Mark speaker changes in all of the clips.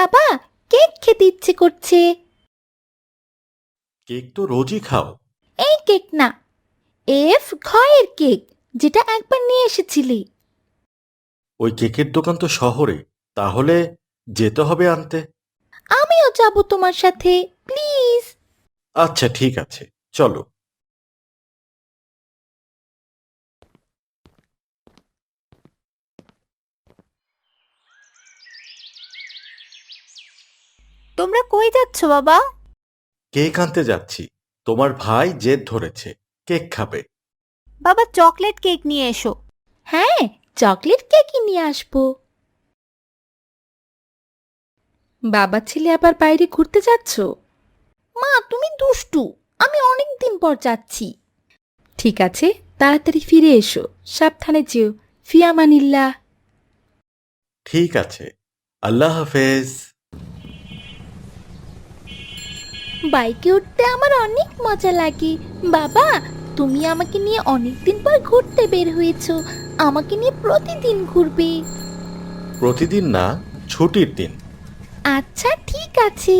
Speaker 1: বাবা, কেক খেতে ইচ্ছে করছে।
Speaker 2: কেক তো রোজই খাও।
Speaker 1: এই কেক না, এফ ঘয়ের কেক, যেটা একবার নিয়ে এসেছিলি।
Speaker 2: ওই কেকের দোকান তো শহরে, তাহলে যেতে হবে আনতে।
Speaker 1: আমিও যাব তোমার সাথে, প্লিজ।
Speaker 2: আচ্ছা ঠিক আছে, চলো।
Speaker 1: তোমরা কই যাচ্ছ বাবা?
Speaker 2: কেক আনতে যাচ্ছি। তোমার ভাই জেদ ধরেছে, কেক খাবে।
Speaker 1: বাবা, চকলেট কেক নিয়ে এসো। হ্যাঁ, চকলেট কেকই নিয়ে আসবো। বাবা ছেলে আবার বাইরে ঘুরতে যাচ্ছ? মা, তুমি দুষ্টু। আমি অনেক দিন পর যাচ্ছি। ঠিক আছে, তাড়াতাড়ি ফিরে এসো। সাবধানে যেও। ফিয়ামানিল্লাহ।
Speaker 2: ঠিক আছে, আল্লাহ হাফেজ।
Speaker 1: বাইকে উঠতে আমার অনেক মজা লাগে। বাবা, তুমি আমাকে নিয়ে অনেক দিন পর ঘুরতে বের হয়েছো। আমাকে নিয়ে প্রতিদিন ঘুরবে।
Speaker 2: প্রতিদিন না, ছুটির দিন।
Speaker 1: আচ্ছা ঠিক আছে।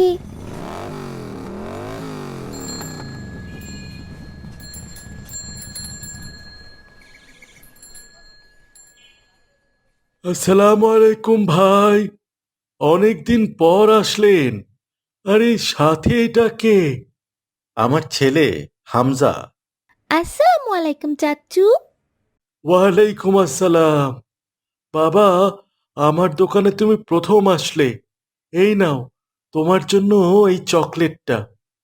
Speaker 2: আসসালামু আলাইকুম ভাই, অনেকদিন পর আসলেন। আরে সাথে এটা কে? আমার ছেলে হামজা।
Speaker 1: আসসালামু আলাইকুম চাচু।
Speaker 2: ওয়ালাইকুম আসসালাম। বাবা, আমার দোকানে তুমি প্রথম আসলে। এই নাও, তোমার জন্য এই চকলেটটা।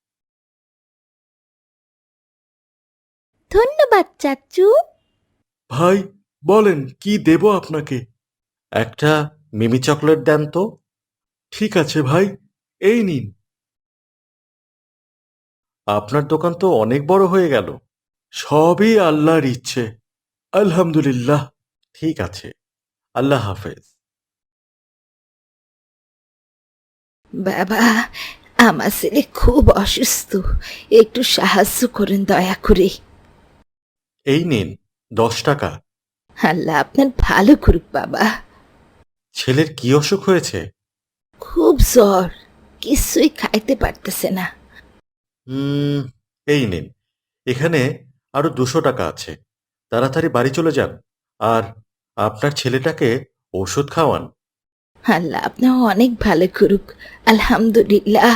Speaker 1: ধন্যবাদ চাচু।
Speaker 2: ভাই, বলেন কি দেব আপনাকে? একটা মিমি চকলেট দেন তো। ঠিক আছে ভাই, এই নিন। আপনার দোকান তো অনেক বড় হয়ে গেল। সবই আল্লাহর ইচ্ছে, আলহামদুলিল্লাহ। ঠিক আছে, আল্লাহ হাফেজ।
Speaker 1: বাবা, আমার ছেলে খুব অসুস্থ, একটু সাহায্য করেন দয়া করে।
Speaker 2: এই নিন 10 টাকা।
Speaker 1: আল্লাহ আপনার ভালো করুক বাবা।
Speaker 2: ছেলের কি অসুখ হয়েছে?
Speaker 1: খুব জ্বর, কিছুই খাইতে পারতেছে না।
Speaker 2: হুম, এই নিন, এখানে আরো 200 টাকা আছে। তাড়াতাড়ি বাড়ি চলে যান, আর আপনার ছেলেটাকে ওষুধ খাওয়ান।
Speaker 1: আল্লাহ আপনার অনেক ভালো করুক। আলহামদুলিল্লাহ।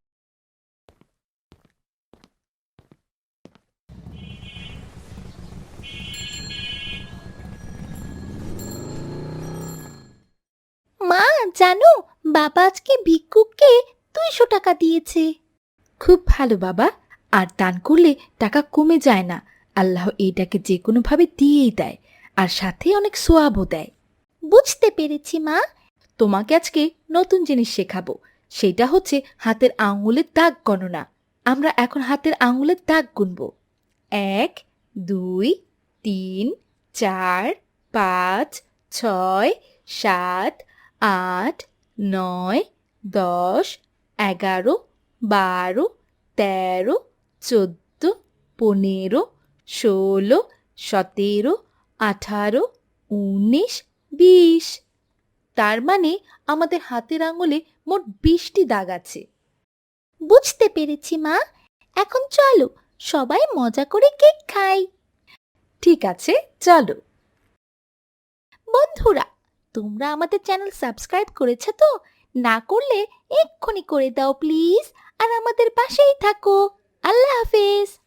Speaker 1: মা, জানো বাবা আজকে ভিক্ষুককে 200 টাকা দিয়েছে। খুব ভালো বাবা। আর দান করলে টাকা কমে যায় না। আল্লাহ এইটাকে যে কোনোভাবে দিয়েই দেয়, আর সাথে অনেক সোয়াবও দেয়। বুঝতে পেরেছি মা। তোমাকে আজকে নতুন জিনিস শেখাবো। সেটা হচ্ছে হাতের আঙুলের দাগ গণনা। আমরা এখন হাতের আঙুলের দাগ গুনব। 1, 2, 3, 4, 5, 6, 7, 8, 9, 10, 11, 12, 13, 14, 15, 16, 17, 18, 19, 20। তার মানে আমাদের হাতের আঙুলে মোট 20টি দাগ আছে। বুঝতে পেরেছি মা। এখন চলো, সবাই মজা করে কেক খাই। ঠিক আছে, চলো। বন্ধুরা, তোমরা আমাদের চ্যানেল সাবস্ক্রাইব করেছো তো? না করলে এক্ষুনি করে দাও প্লিজ, আর আমাদের পাশেই থাকো। আল্লাহ হাফেজ।